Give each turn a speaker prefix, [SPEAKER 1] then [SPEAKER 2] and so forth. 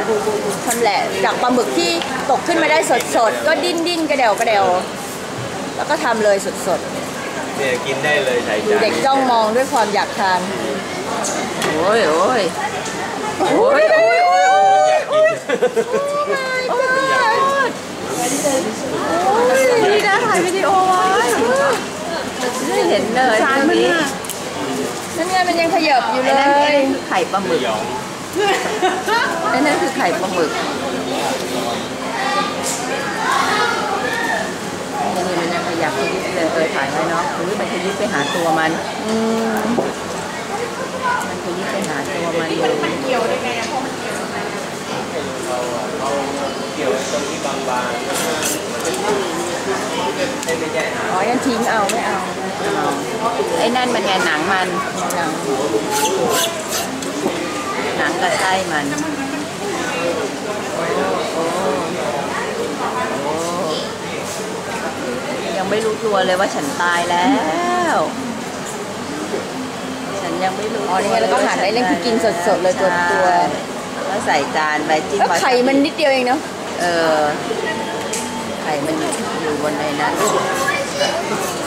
[SPEAKER 1] ชำแหละจากปลาหมึกที่ตกขึ้นมาได้สดๆก็ดิ้นกระเดวแล้วก็ทำเลยสด
[SPEAKER 2] ๆเนี่ยกินได้เลยใส่จาน
[SPEAKER 1] เด็กจ้องมองด้วยความอยากทานโอ้ยนี่นะถ่ายวิดีโอไว้ไม่เห็นเลยตรงนี้นั่นไงมันยังขยับอยู่เลยไข่ปลาหมึกนั่นคือไข่ปลาหมึกนี่มันยังขยับขยิบเลยถ่ายไว้เนาะหรือมันขยิบไปหาตัวมันขยิบไปหาตัวมันเลย
[SPEAKER 3] มันเกี่ยวได้ไงเพราะมันเกี่ยวอะไร
[SPEAKER 2] เราเกี่ยวตรงที่บางๆไม่ใช่
[SPEAKER 1] อ๋อยังทิ้งเอาไม่เอาไอ้นั่นมันไงหนังกับไส้มันยังไม่รู้ตัวเลยว่าฉันตายแล้วฉันยังไม่รู้อ๋อนี่ไงแล้วก็หั่นไอ้เล่นคือกินสดๆเลยตัว
[SPEAKER 3] แล้วใส่จานใบจิ้ม
[SPEAKER 1] ไข่มันนิดเดียวเองเนาะ
[SPEAKER 3] ไข่มันอยู่บนในนั้น